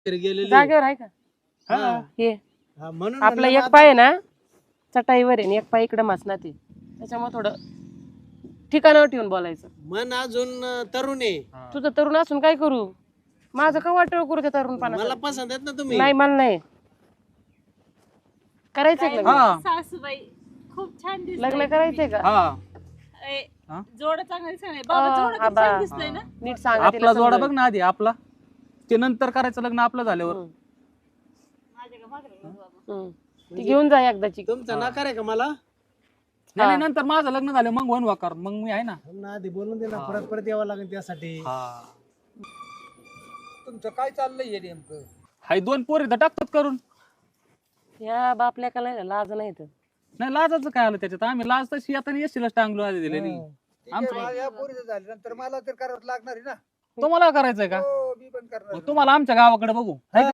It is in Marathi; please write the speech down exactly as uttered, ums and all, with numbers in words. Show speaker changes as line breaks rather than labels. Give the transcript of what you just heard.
गेलेली
जागेवर आहे का
हा.
हे
हा, म्हणून
आपला
म्हणलं
एक
ना
पाय आहे ना चटाईवर आहे आणि एक पाय इकडे मसनात आहे त्याच्यामुळे थोडं ठिकाणावर ठेवून बोलायचं.
आता मन अजून अं, तरुण आहे.
तुझं तरुण असून काय करू माझं का वाटळ करू त्या तरुणपणा
मला पसंत आहेत ना तुम्ही.
नाही मला नाही करायचंय का लग्न
हा.
सासूबाई खूप छान दिसतंय.
लग्न करायचंय का
हा
ए,
हा?
जोड चांगलं दिसतंय. बाबा
अं,
जोड
हा
किती
बा.
छान दिसतंय ना.
नीट सांगा
आपला
तिला
जोडा
समजावून.
बघ ना आधी आपला ते नंतर करायचं लग्न आपलं झाल्यावर
हम्म,
माझ्या का मागं लागलं बाबा.
हम्म. ती घेऊन जा एकदाची
तुमचा नकार आहे का मला?
नाही नाही, नंतर माझं लग्न झालं मग वन वाकार मग मी आहे ना.
ना आधी बोलून दे ना, परत परत यावं लागेल त्यासाठी.
तुमचं काय चाललंय हे नेमकं?
हाय दोन पोरी तर टाकतात करून.
या बापल्या का नाही लाज नाही तर
नाही लाजाचं काय आलं त्याच्यात आम्ही लाज तशी आता एसटीला टांगलो आधी दिलेली.
ठीक आहे, मला या पोरीचं झालं नंतर मला तर करावं लागणार आहे ना.
तुम्हाला करायचंय का
हो मी पण करणार
मग तुम्हाला आमच्या गावाकडे बघू हाय का?